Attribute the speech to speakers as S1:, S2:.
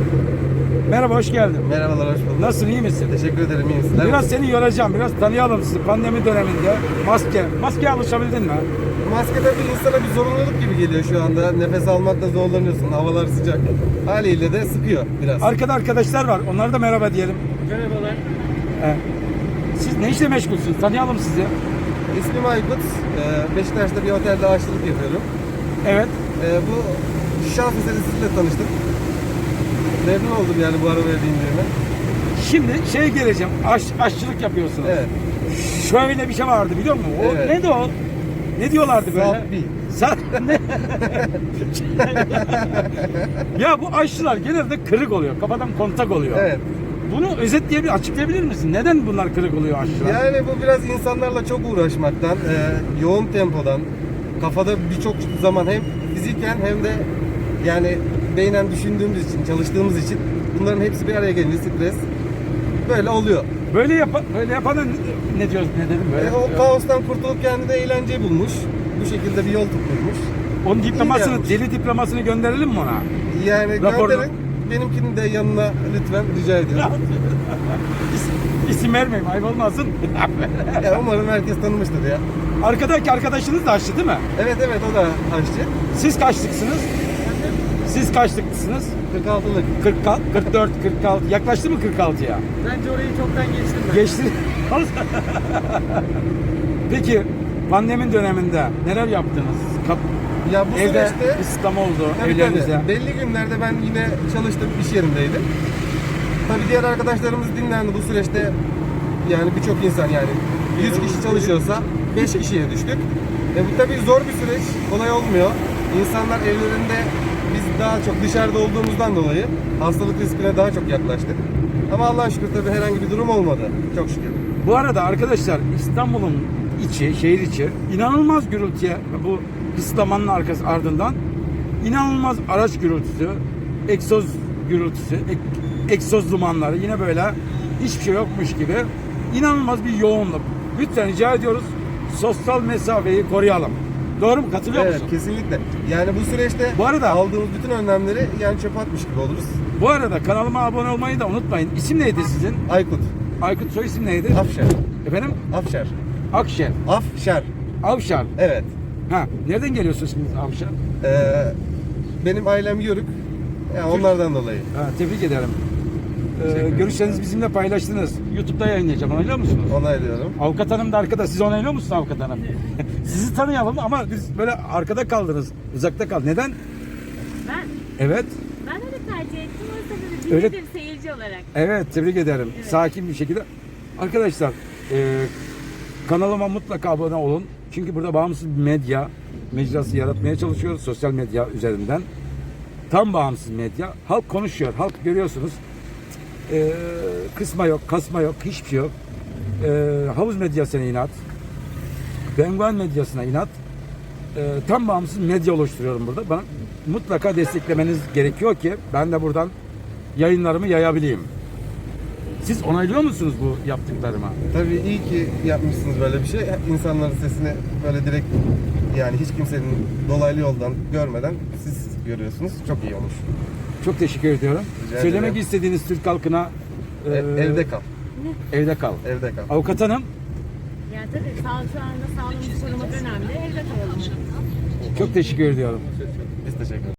S1: Merhaba, hoş geldin.
S2: Merhabalar, hoş bulduk.
S1: Nasılsın, iyi misin?
S2: Teşekkür ederim, iyiyim. Sizler
S1: Biraz
S2: misiniz?
S1: seni yoracağım, biraz tanıyalım sizi. Pandemi döneminde maskeye alışabildin mi?
S2: Maske tabii insana bir zorunluluk gibi geliyor şu anda. Nefes almakta zorlanıyorsun, havalar sıcak. Haliyle de sıkıyor biraz.
S1: Arkada arkadaşlar var, onlara da merhaba diyelim.
S2: Merhabalar.
S1: Siz ne işle meşgulsünüz? Tanıyalım sizi.
S2: İsmim Aykut. Beşiktaş'ta bir otelde aşçılık yapıyorum.
S1: Evet.
S2: Bu şans eseri sizinle tanıştık. Memnun oldum yani bu arabaya bindiğime.
S1: Şimdi geleceğim, aşçılık yapıyorsunuz.
S2: Evet.
S1: Şöyle bir şey vardı biliyor musun? O,
S2: Evet.
S1: neydi o? Ne diyorlardı böyle?
S2: Sabbi.
S1: Ne? Ya bu aşçılar genelde kırık oluyor, kafadan kontak oluyor.
S2: Evet.
S1: Bunu açıklayabilir misin? Neden bunlar kırık oluyor aşçılar?
S2: Yani bu biraz insanlarla çok uğraşmaktan, yoğun tempodan, kafada birçok zaman hem fiziken hem de yani beynen düşündüğümüz için, çalıştığımız için bunların hepsi bir araya gelince stres böyle oluyor.
S1: Böyle yapana ne diyoruz, ne dedim böyle?
S2: O kaostan kurtulup kendine eğlenceyi bulmuş. Bu şekilde bir yol tutmuş.
S1: Onun diplomasını,
S2: yapmış.
S1: deli diplomasını gönderelim mi ona?
S2: Yani
S1: Raporla.
S2: gönderin. Benimkini de yanına lütfen rica ediyorum.
S1: İsim vermeyeyim, ayıp olmasın.
S2: Ya umarım herkes tanımıştır ya.
S1: Arkadaki arkadaşınız da aşçı değil mi?
S2: Evet o da aşçı.
S1: Siz kaçlıksınız? Siz kaçlıksınız?
S2: 46'lık.
S1: 40, 44, 46. Yaklaştı mı 46'ya?
S3: Bence orayı çoktan geçtim ben.
S1: Geçti. Peki pandemi döneminde neler yaptınız?
S2: Ya bu
S1: Evde
S2: süreçte
S1: İslam oldu,
S2: tabii,
S1: evlerinize.
S2: belli günlerde ben yine çalıştım, iş yerindeydim. Tabii diğer arkadaşlarımız dinlendi bu süreçte. Yani birçok insan yani 100 kişi çalışıyorsa 5 kişiye düştük. Bu tabii zor bir süreç, kolay olmuyor. İnsanlar evlerinde biz daha çok dışarıda olduğumuzdan dolayı hastalık riskine daha çok yaklaştık. Ama Allah'a şükür tabii herhangi bir durum olmadı. Çok şükür.
S1: Bu arada arkadaşlar İstanbul'un şehir içi inanılmaz gürültüye bu ıslamanın ardından inanılmaz araç gürültüsü, egzoz gürültüsü, egzoz dumanları yine böyle hiçbir şey yokmuş gibi inanılmaz bir yoğunluk. Lütfen rica ediyoruz sosyal mesafeyi koruyalım. Doğru mu? Katılıyor
S2: Evet,
S1: musun?
S2: kesinlikle. Yani bu süreçte
S1: Bu arada-
S2: aldığımız bütün önlemleri yani çöpe atmış gibi oluruz.
S1: Bu arada kanalıma abone olmayı da unutmayın. İsim neydi sizin?
S2: Aykut,
S1: Aykut, soy isim neydi?
S2: Afşar,
S1: Efendim?
S2: Afşar,
S1: Akşer.
S2: Afşar.
S1: Avşar.
S2: Evet.
S1: Ha, nereden geliyorsunuz şimdi Avşar?
S2: Benim ailem Yörük. Yani onlardan dolayı.
S1: Ha, tebrik ederim.
S2: ederim.
S1: Görüşlerinizi bizimle paylaştınız. YouTube'da yayınlayacağım. Onaylıyor musunuz?
S2: Onaylıyorum.
S1: Avukat hanım da arkada. Siz onaylıyor musunuz avukat hanım? Sizi tanıyalım ama biz böyle arkada kaldınız. Uzakta kaldınız. Neden?
S4: Ben,
S1: Evet.
S4: ben öyle tercih ettim. O yüzden de
S1: Öyle-
S4: dinledim seyirci olarak.
S1: Evet. Tebrik ederim.
S4: Evet.
S1: Sakin bir şekilde. Arkadaşlar kanalıma mutlaka abone olun. Çünkü burada bağımsız bir medya mecrası yaratmaya çalışıyoruz. Sosyal medya üzerinden. Tam bağımsız medya. Halk konuşuyor. Halk görüyorsunuz. Kısma yok, kasma yok, hiçbir şey yok. Havuz medyasına inat. Penguen medyasına inat. Tam bağımsız medya oluşturuyorum burada. Bana mutlaka desteklemeniz gerekiyor ki ben de buradan yayınlarımı yayabileyim. Siz onaylıyor musunuz bu yaptıklarıma?
S2: Tabii iyi ki yapmışsınız böyle bir şey. İnsanların sesini böyle direkt yani hiç kimsenin dolaylı yoldan görmeden siz görüyorsunuz. Çok iyi olmuş.
S1: Çok teşekkür ediyorum.
S2: Rica
S1: Söylemek
S2: ederim.
S1: istediğiniz Türk halkına
S2: Evde kal.
S1: evde kal.
S2: Evde kal.
S1: Avukat hanım
S4: Yani tabii şu anda sağlığımızı korumak önemli. Evde kalalım.
S1: çok teşekkür ediyorum.
S2: Biz teşekkür ederiz.